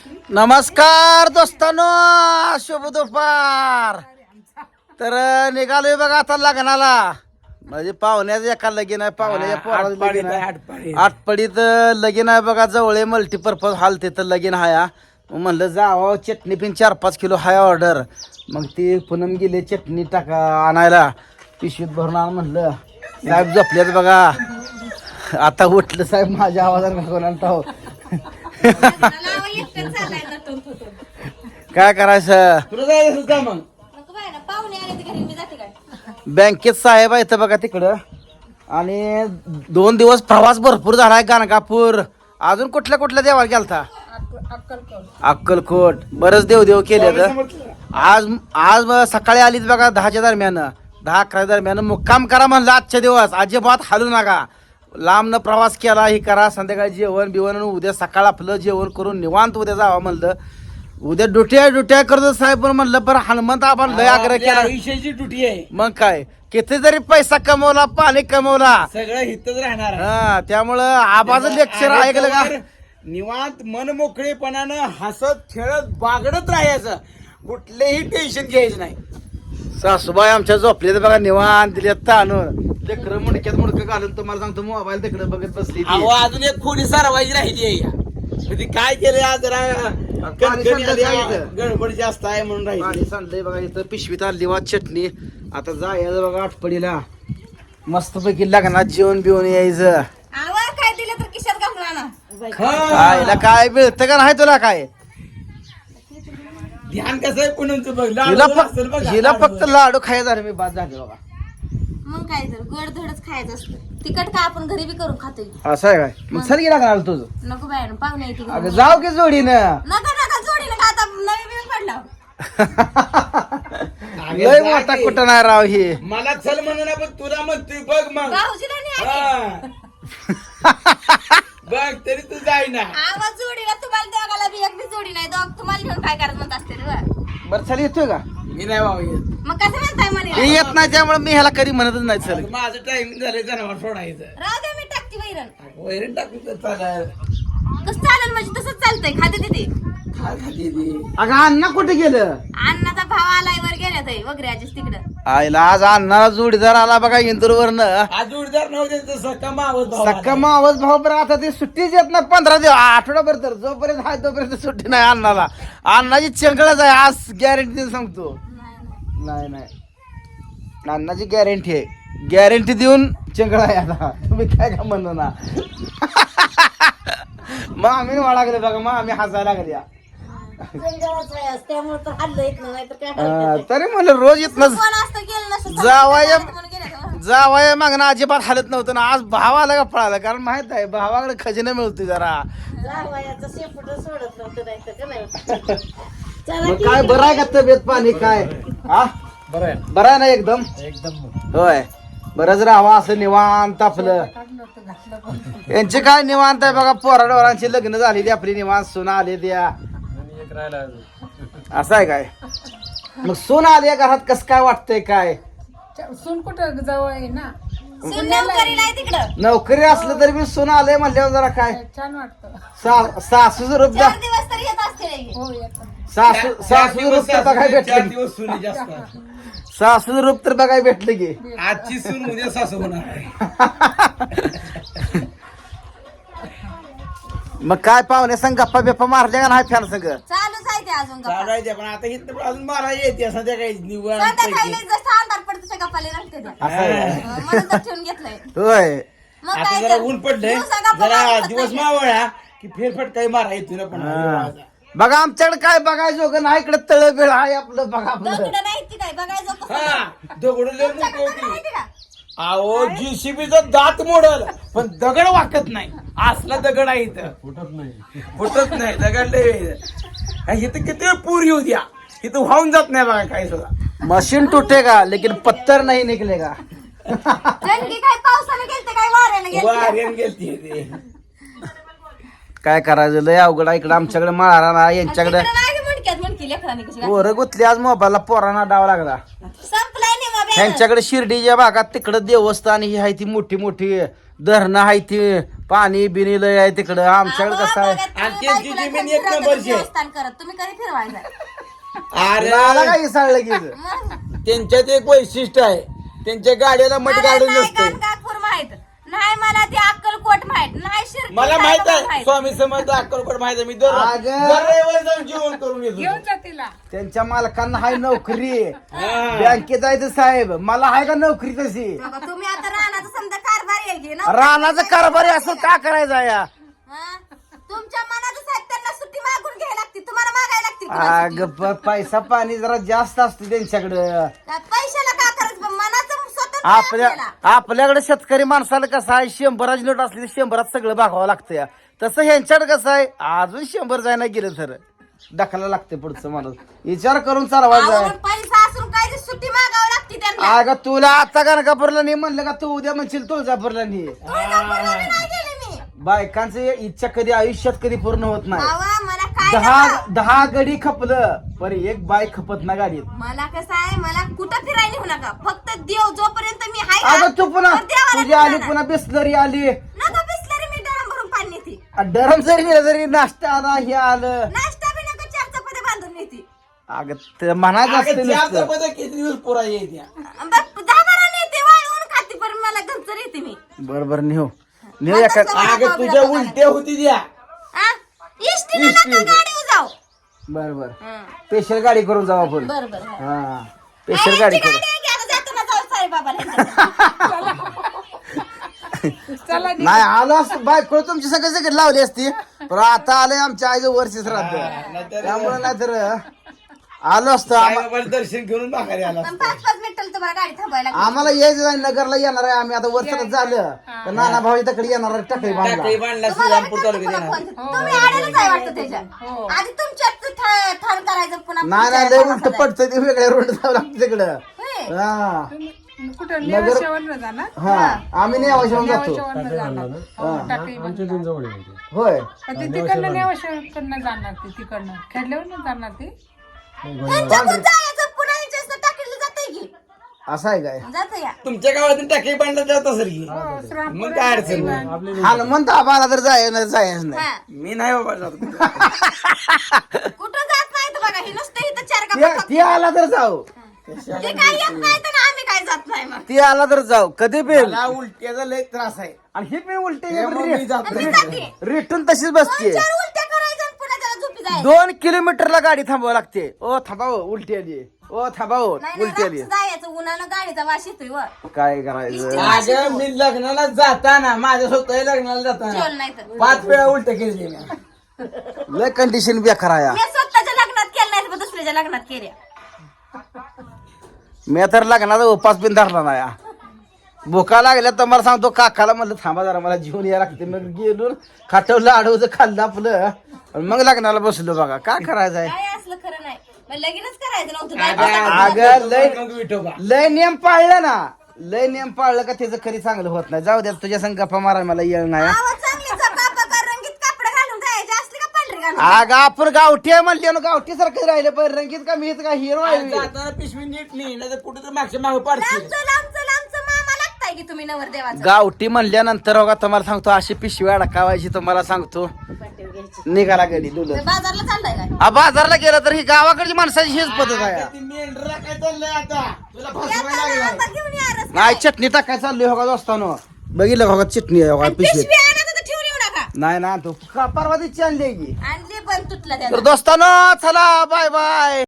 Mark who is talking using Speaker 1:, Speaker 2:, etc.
Speaker 1: नमस्कार दोस्तांनो, शुभ दुपार. तर निघालोय बघा आता लग्नाला. म्हणजे पाहुण्याचं एका लगीन आहे, पाहुण्याच्या पोराचं लगीन आहे. आटपडीत लगीन आहे बघा, जवळ मल्टीपर्पज हॉल तिथं लगीन हाया. म्हणलं जावा, चटणी पिन 4-5 किलो हाय ऑर्डर. मग ती पूनम गेली चटणी टाका आणायला, पिशवीत भरून आण म्हणलं. साहेब झोपलेत बघा. आता उठलं साहेब, माझ्या आवाजाने कोणाला काय करायचं. तुला जायचं का मग? बँकेत साहेब आहे बघा तिकडं. आणि 2 दिवस प्रवास भरपूर झालाय. गाणगापूर, अजून कुठल्या कुठल्या देवाला गेलता? अक्कलकोट. बरंच देव केले. आज सकाळी आलीच बघा 10च्या दरम्यान, 10-11 दरम्यान. मुक्काम करा म्हणलं आजच्या दिवस, अजिबात हालू नका. लांबनं प्रवास केला, ही करा. संध्याकाळी जेवण बिवण, उद्या सकाळ आपलं जेवण करून निवांत उद्या जावं म्हणलं. उद्या डुट्या करतो साहेब. पण म्हणलं पण हनुमंत आपण लय आग्रह केला.
Speaker 2: विषयाची ड्युटी आहे.
Speaker 1: मग काय, किती जरी पैसा कमवला, पाणी कमवला,
Speaker 2: सगळं हितच राहणार.
Speaker 1: हा, त्यामुळं आबाचं लेक्चर ऐकलं का?
Speaker 2: निवांत मन मोकळेपणानं हसत खेळत बागडत राहायचं, कुठलेही टेन्शन घ्यायचं नाही.
Speaker 1: सासूबाई आमच्या झोपले बघा निवांत, दिल्यात ताणून. लेकर मुडक्यात मुडकं घालून तुम्हाला सांगतो मोबाईल तिकडे बघत बसली.
Speaker 2: अहो, अजून एक खोडी सारवायची राहिली आहे. काय केलं आज, जरा गडबड जास्त आहे म्हणून राहिली.
Speaker 1: सांडलंय बघा इथं, पिशवीत आणली वा चटणी. आता जायचं बघा आटपडीला, मस्त पैकी लग्नात जेवण बिवून यायचं.
Speaker 3: काय दिलं तर किशात घालून
Speaker 1: खायला काय मिळतं का नाही तुला? काय
Speaker 2: ध्यान कसं आहे पुनमचं बघ.
Speaker 1: हिला फक्त लाडू खायचं झालं, मी बाद झाले बघा.
Speaker 3: मग काय तर गोड धडच खायचं असतं. तिखट का आपण घरी बी करून खातोय.
Speaker 1: असं आहे काय? मग सर गेला का तुझं?
Speaker 3: नको बाय, पाहुणे येते.
Speaker 1: अगं जाऊ की जोडीनं.
Speaker 3: नका जोडी नका, आता नवी बिल पडला.
Speaker 1: लय मोठा कुठं नाही राव हे.
Speaker 2: मला चल म्हणून पण तुला म्हणतोय बघ मग.
Speaker 3: भाऊजीला नाही
Speaker 2: हा. बघ तरी तू जाई ना.
Speaker 3: आवाज जोडीला तुम्हाला दोघाला बी एक बी जोडी नाही. दोघ तुम्हाला घेऊन काय करत म्हणत असते रे.
Speaker 1: बरं चल, येतोय का?
Speaker 2: मी नाही भाऊ येत.
Speaker 3: मग कसं म्हणताय
Speaker 1: हे
Speaker 3: म्हणे?
Speaker 1: येत नाही त्यामुळे मी ह्याला कधी म्हणतच नाही. चल,
Speaker 2: माझं टाइम झालं जनावर सोडायचं.
Speaker 3: राहू दे, मी टाकते वैरण.
Speaker 2: वैरण टाकून तर चालेल.
Speaker 3: कसं चालेल म्हणजे तसंच चालतंय. खाते तिथे.
Speaker 2: काय खाते ती?
Speaker 1: अगं अण्णा कुठे गेलं?
Speaker 3: अण्णाचा भाव आलाय वर गेल्यात वगैरे आजीच तिकडं.
Speaker 1: आईला आज अण्णाला जोडीदार आला बघा इंदूरवरनं.
Speaker 2: आज जोडीदार नव्हते सका मावत भाऊ.
Speaker 1: सक्का मावस भाऊ. बरं आता ते सुट्टीच येत नाही 15 दिवस, आठवडाभर. तर जोपर्यंत आहे तोपर्यंत सुट्टी नाही अण्णाला. अण्णाची चंगळच आहे आज, गॅरंटी सांगतो. नाही अण्णाची गॅरंटी आहे. गॅरंटी देऊन चंगळा आहे आता. तुम्ही काय का म्हणू ना. मग आम्ही वाळागले बघा, मग आम्ही हसायला लागल्या.
Speaker 3: त्यामुळे तर हल्लं येत नाही तर काय.
Speaker 1: तरी म्हणलं रोज येत नस
Speaker 3: कोण असतं गेलं नसतं.
Speaker 1: जावाय मागणं अजिबात हालत नव्हतं ना. आज भावाला का पळाला, कारण माहित आहे भावाकडे खजिना मिळतोय जरा. मग काय बरं आहे का तब्येत पाणी काय? हा बरं आहे ना एकदम. होय, बरंच राहावं असं निवांत आपलं. यांचे काय निवांत आहे बघा. पोराडोरांची लग्न झालेली आपली, निवांत सून आले द्या. असं आहे काय? मग सून आली घरात, कसं काय वाटतंय काय?
Speaker 4: सून कुठं जवळ आहे ना,
Speaker 3: तिकडं
Speaker 1: नोकरी असलं तरी मी सून आले म्हणल्यावर जरा काय
Speaker 4: छान वाटतं.
Speaker 1: सासूचं रूप द्या.
Speaker 3: 4 दिवस तरी येत असते.
Speaker 4: हो येतं.
Speaker 1: सासूचं रूप तर बघायला भेटलं की.
Speaker 2: दिवस सुनी जास्त.
Speaker 1: सासूचं रूप तर बघायला भेटलं की.
Speaker 2: आजची सून उद्या सासू होणार आहे.
Speaker 1: मग काय पाहुणे संग गप्पा बिप्पा मारल्या का नाही फॅन संग?
Speaker 3: चालूच आहे ते अजून गप्पा.
Speaker 2: चालायचं पण आता इथं अजून मला येते संध्याकाळी निवड.
Speaker 3: संध्याकाळी जसं अंधार पडतो तशा गप्पाले रंगते त्या.
Speaker 1: असं आहे.
Speaker 3: म्हणून तर ठेवून घेतलंय.
Speaker 1: होय,
Speaker 3: मग
Speaker 2: आता
Speaker 3: काय
Speaker 2: जरा
Speaker 3: तर.
Speaker 2: ऊन पडलंय,
Speaker 3: दिवसा गप्पा
Speaker 2: जरा
Speaker 3: मारत
Speaker 2: दिवस
Speaker 3: नाही.
Speaker 2: मावळा की फेरफटकाही मारा येतो ना. पण
Speaker 1: बघा आमच्याकडे काय बघायचं नाही. इकडे तळबिळ आहे आपलं बघा आपलं.
Speaker 3: दगडं नाही ती काय बघायचं कसं.
Speaker 2: हा दगड लय मोठी
Speaker 3: तुमच्याकडे तर
Speaker 2: होती.
Speaker 3: माहिती का?
Speaker 2: अहो जीसीबीचा दात मोडल पण दगड वाकत नाही. असला दगड आहे इथं. फुटत नाही दगड लय. इथं किती पूर येऊ द्या, इथं वाहून जात नाही बघा काही सुद्धा.
Speaker 1: मशीन टूटेगा लेकिन पत्थर नहीं निकलेगा.
Speaker 3: जणकी काय पावसाने गेलते काय वाऱ्याने गेलते.
Speaker 2: वाऱ्यान गेलती ते.
Speaker 1: काय करायचं लय अवघड आहे इकडं आमच्याकडे मारा ना. यांच्याकडे
Speaker 3: तिकडं नाही गं मणक्यात मणकी लेकरांनी कशी
Speaker 1: पोरं गुतली आज मोबाईलला, पोरांना डाव लागला.
Speaker 3: संपलाय नाही मग
Speaker 1: ह्यांच्याकडे शिर्डीच्या भागात तिकडं देवस्थान ही आहे ती मोठी मोठी धरणं आहे ती पाणी बिनी लय आहे तिकडं आमच्याकडे कसं आहे
Speaker 2: आणि त्यांची जमीन एक नंबरची आहे.
Speaker 3: देवस्थान करत तुम्ही कधी फिरवायचा
Speaker 1: आला
Speaker 2: अरे
Speaker 1: का इसळलं की
Speaker 3: मग
Speaker 2: त्यांच्यात एक वैशिष्ट्य आहे, त्यांच्या गाड्याला मट
Speaker 3: मला
Speaker 2: गाडून
Speaker 3: नाही
Speaker 2: नसते.
Speaker 3: गाणगापूर माहित नाही, मला ते अक्कलकोट माहित नाही, शिर्डी
Speaker 2: मला माहित
Speaker 3: साईबाबा
Speaker 2: आहे स्वामी समर्थ अक्कलकोट माहित आहे. मी दर
Speaker 1: अगं.
Speaker 2: रविवारी जाऊन जेवण करून येतो.
Speaker 4: घेऊन जा तिला.
Speaker 1: त्यांच्या मालकांना हाय नोकरी
Speaker 2: हा.
Speaker 1: बँकेत जायचं साहेब मला हाय का नोकरी तशी
Speaker 3: बघा, तुम्ही आता रानाचा समजा कारभार येईल की ना
Speaker 1: रानाचं कारभारी असं का करायचं या
Speaker 3: हा? तुमच्या मनाचं साहेब त्यांना सुट्टी मागून घ्यायला लागते, तुम्हाला मागायला लागते पुन्हा सुट्टी.
Speaker 1: अग पैसा पाणी जरा जास्त असतो त्यांच्याकडं
Speaker 3: काय पैशाला का करायचं, पण मनाचं स्वतंत्र
Speaker 1: आपल्या
Speaker 3: आपल्याला.
Speaker 1: आपल्याकडे शेतकरी माणसाला कसं आहे 100ची नोट असली तर 100त सगळं भागावं लागतं या तसं ह्यांच्याकडे कसं आहे अजून 100 जायला गेलं तर ढकला लागते पुढचं माणूस विचार करून चालवायचं
Speaker 3: आवरून
Speaker 1: आहे.
Speaker 3: पैसा असून काय ते सुट्टी मागावं लागते त्यांना.
Speaker 1: अगं तुला आता गाणगापूरला नाही म्हणलं का तू उद्या म्हणशील तुळजापूरला नाही
Speaker 3: तुळजापूरला बी नाही गेले मी.
Speaker 1: बायकांचं इच्छा कधी आयुष्यात कधी पूर्ण होत नाही
Speaker 3: बाबा, मला काय
Speaker 1: दहा
Speaker 3: नका.
Speaker 1: दहा गडी खपलं पण एक बाय खपत ना गाडीत
Speaker 3: मला कसं आहे, मला कुठं फिरायला नेऊ नका, फक्त देव जोपर्यंत मी हाय ना,
Speaker 1: अगं तू पुन्हा
Speaker 3: तर देवाला
Speaker 1: तुझी आली
Speaker 3: नेणार.
Speaker 1: पुन्हा बिस्लरी आली
Speaker 3: नका बिसलरी, मी डरम भरून पाणी नेते.
Speaker 1: डरम जरी नेलं तरी नाश्ता आला हे आलं
Speaker 3: नाश्ता बी नका, 4 चपात्या बांधून नेते.
Speaker 1: अगं ते म्हणायचं
Speaker 2: अगं,
Speaker 1: असतं
Speaker 2: त्या
Speaker 1: नुसतं.
Speaker 2: चपात्या किती दिवस पुरा येत्या.
Speaker 3: 10 नेते वाळवून खाते, पण मला घरचं येते मी.
Speaker 1: बरोबर नेऊ नेऊ एका
Speaker 2: अगं तुझ्या उलट्या होती द्या.
Speaker 3: हा? इष्टीला नका गाडीवर जाऊ.
Speaker 1: बरोबर
Speaker 3: हं.
Speaker 1: स्पेशल गाडी करून जाऊ आपण
Speaker 3: बरं बरं, हं.
Speaker 1: हा स्पेशल गाडी
Speaker 3: गाडी
Speaker 1: करू
Speaker 3: आहे की आता जाताना जाऊ साईबाबाला.
Speaker 4: चला
Speaker 1: नाही आलो असतं बायको तुमची सगळे सगळे लावली असती पण आता आलंय आमच्या आईचं वर्षच राहत
Speaker 2: नाहीतर-
Speaker 1: त्यामुळे नाहीतर आलो असतो
Speaker 2: साईबाबाला दर्शन घेऊन माघारी आला.
Speaker 3: पण 5-5 मिनिटाला तुम्हाला गाडी थांबायला लागते.
Speaker 1: आम्हाला यायचं नाही नगरला येणार आहे आम्ही आता वर्षात झालं तर नाना भाऊ तकडे येणार आहे टाकळी
Speaker 2: टाकळी
Speaker 1: बांधला
Speaker 2: बांधला
Speaker 3: तुम्हाला
Speaker 2: श्रीरामपूर
Speaker 3: बी
Speaker 2: तालुक्यात
Speaker 3: करते
Speaker 2: येणार.
Speaker 3: पुन्हा फोन. तुम्ही आलेलंच आहे वाटतं त्याच्या.
Speaker 4: हो.
Speaker 3: आधी तुमच्यात ठाण करायचं, पुन्हा
Speaker 1: नाही नाही लय उलट पडतं ते वेगळ्या रोड जावं लागतं तिकडं
Speaker 3: होय.
Speaker 1: हा
Speaker 4: कुठं नेवाशावरनं जाणार?
Speaker 1: हा आम्ही नेवाशाहून जातो
Speaker 4: नेवाशावरनं जाणार. हो, टाकळी बांधणार.
Speaker 1: होय
Speaker 4: पण ते तिकडनं नेवाशावरनं जाणार, ते तिकडनं खेडल्यावरनं जाणार ते.
Speaker 3: त्यांच्याकडून जायचं, पुन्हा यांच्यासनं टाकीला जातंय की.
Speaker 1: असं आहे काय
Speaker 3: जातं या.
Speaker 2: तुमच्या गावातून टाकळी बांधला जात असेल की.
Speaker 4: हो, श्रावण
Speaker 2: मग काय अडचण नाही.
Speaker 1: हनुमंत आम्हाला तर जायचं नाही
Speaker 3: हा.
Speaker 2: मी नाही बाबा जात.
Speaker 3: कुठं जात नाही तर बघा, हे नुसतं इथं 4 गप्पा
Speaker 1: ती आला तर जाऊ
Speaker 3: ते काय येत नाही तर आम्ही काय जात नाही मग.
Speaker 1: ती आला तर जाऊ कधी पेल
Speaker 2: मला उलट्याचा लय त्रास आहे.
Speaker 1: आणि ही पण
Speaker 2: त्यामुळे मी जात नाही.
Speaker 3: जाते.
Speaker 1: रिटर्न तशीच बसते
Speaker 3: 4 उलट्या करायचं आणि पुन्हा त्याला झोपी जायचं.
Speaker 1: 2 किलोमीटरला गाडी थांबावं लागते ओ थांबाव उलटी आली ओ थांबाव
Speaker 3: नाही
Speaker 1: उलटी आली
Speaker 3: रातचं जायचं, उन्हानं गाडीचा वास येतोय वर.
Speaker 1: काय करायचं
Speaker 2: अगं मी लग्नाला जाताना माझ्या स्वतः लग्नाला जाताना
Speaker 3: जेवण नाही तर.
Speaker 2: 5 वेळा उलट केली मी.
Speaker 1: लय कंडिशन बेकार आहे
Speaker 3: मी स्वतःच्या लग्नात केलं नाही, पण दुसऱ्याच्या लग्नात केल्या.
Speaker 1: मी तर लग्नाचा उपास बिन धरला नाही भुका लागल्या तर मला सांगतो काकाला म्हणलं थांबा जरा मला जेवण यायला लागते मग गेलो खाटवलं आडवचं खाल्लं आपलं आणि मग लग्नाला बसलो बघा काय करायचं आहे
Speaker 3: काय असलं खरं नाही, मग लगीनच करायचं नव्हतं.
Speaker 1: अगं लय
Speaker 2: मग विठोबा.
Speaker 1: लय नियम पाळलं ना लय नियम पाळलं का त्याचं खरी चांगलं होत नाही जाऊ द्या तुझ्या संग गप्पा मारा मला येळ नाही हा.
Speaker 3: आवाज चांगली कापा रंगीत कापड घालून जायचे असले का पांढरे घालून.
Speaker 1: अगं आपण गावठी आहे म्हणले ना गावठी सारखं राहिलं पण रंगीत का मीच का हिरो आहे
Speaker 2: जाताना पिशवी नीट नाही नाही तर कुठे तर मागच्या मागे पाडशील.
Speaker 3: लांबचं मामा लागताय की तुम्ही नवर देवाचं.
Speaker 1: गावठी म्हणल्यानंतर बघा तुम्हाला सांगतो अशी पिशवी अडकावायची तुम्हाला सांगतो निघाला गडी डुलत
Speaker 3: ते बाजारला चाललाय काय?
Speaker 1: बाजारला गेलं तर ही गावाकडची माणसाची हीच पद्धत आहे
Speaker 2: ती मेंढरा काय चाललंय आता तुला फसवायला लागलाय.
Speaker 3: आता घेऊन या रस.
Speaker 1: नाही चटणी टाकाय चालली हो का असताना बघितलं का चटणी आहे हो का पिशवीत
Speaker 3: पिशवी आणत तर ठेवून येऊ नका.
Speaker 1: नाही ना तो परवा दिवशी आणली आहे की
Speaker 3: आणली पण तुटला
Speaker 1: तर
Speaker 3: त्याला.
Speaker 1: दोस्तानो चला बाय बाय